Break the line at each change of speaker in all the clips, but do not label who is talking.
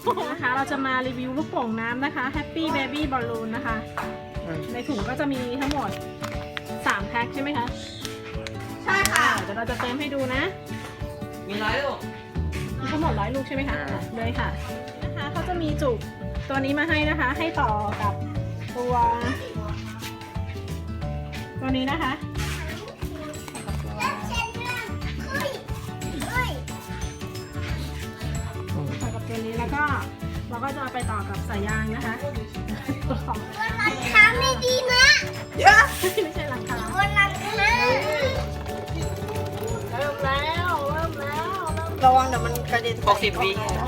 นะคะเราจะมารีวิวลูกโป่งน้ำนะคะ Happy Baby Balloon นะคะในถุงก็จะมีทั้งหมด3แพ็คใช่ไหมคะใช่ค่ะเดี๋ยวเราจะเติมให้ดูนะ
มี100 ลูก
มีทั้งหมด100 ลูกใช่ไหมคะเลยค่ะนะคะเขาจะมีจุกตัวนี้มาให้นะคะให้ต่อกับตัวนี้นะคะต่อกับตัวนี้แล้วก็เราก็จะเอาไปต่อกับสายยางนะคะตัวของ
ราคาไม่ดีนะเยอะ
ไม่ใช่ราคา
วันราคา
เริ่มแล้ว
ระวังเดี๋ยวมันกระเด็น
60 วิ
เริ่ม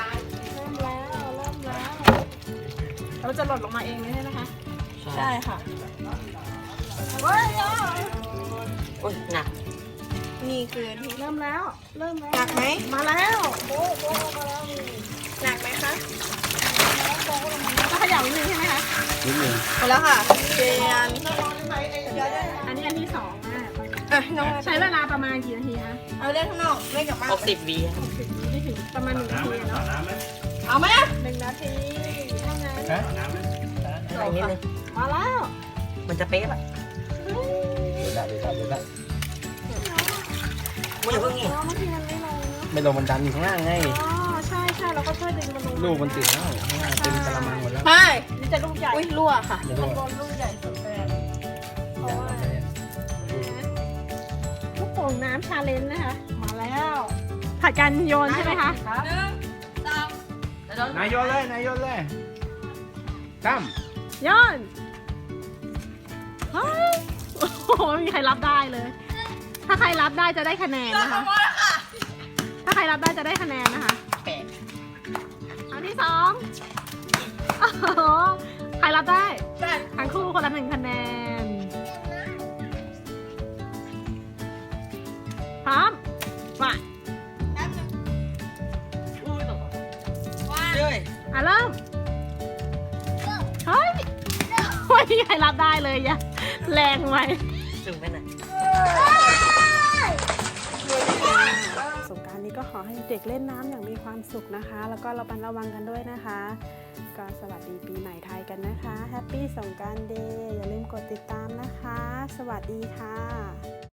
แล้วเราจะหล่นลงมาเองเลยนะคะ
ใช่ค่ะ
เฮ้ย
โอ้ยหนัก
นี่คือที่
เริ่มแล้ว
หนักไหม
มาแล้วโบ๊ะมาแล้ว
หนักไหมคะ
ก็เขย่านิดนึงใช่ไหมคะ
นิดนึง
หมดแล้วค่ะเจียน
อันนี้อันที่2
น้อง
ใช้เวลาประมาณกี่นาทีคะ
เอาเล่นข้างนอกไม่กลับบ้าน
60 วิ
60 ไม่ถึงประมาณ1 นาทีเนาะ
เอาไหม
1 นาทีเท่านั้น
อะไรนิดนึง
มาแล้ว
มันจะเป๊ะป่ะไม่อย่าเพิ่งนี่
บางทีมันไม่ลงเนาะ
ไม่ลงมันดันอยู่ข้างล่างไง
อ๋อใช่เราก็ช่วยดึงมันลง
ลูกมันติดแล้วข้างล่างเต็มกระมังหมดแล้ว
ใช่
นี่จะลูกใหญ่
อุ้ยรั่วค่ะ
เดี๋ยว
ข้าง
ดู
บนลูกใหญ่สุดเลยเพราะว่าลูกโป่งน้ำชาเลนจ์นะคะ มาแล้วผัดกันโยนใช่ไหมคะ
นายโยนเลยตั้ม
โยนเฮ้ยโอ้โหไม่มีใครรับได้เลย ถ้าใครรับได้จะได้คะแนนนะคะ ถ้าใครรับได้จะได้คะแนนนะคะอันที่2โอ้โหใครรับได้ทั้งคู่คนละ1 คะแนนพร้อมมา
เฮ้ย
เริ่มเฮ้ยไม่มีใครรับได้เลยอย่าแรงไว้
ถึงไปไหน
สงกรานต์นี้ก็ขอให้เด็กเล่นน้ำอย่างมีความสุขนะคะ แล้วก็ระมัดระวังกันด้วยนะคะ ก็สวัสดีปีใหม่ไทยกันนะคะแฮปปี้สงกรานต์เดย์อย่าลืมกดติดตามนะคะ สวัสดีค่ะ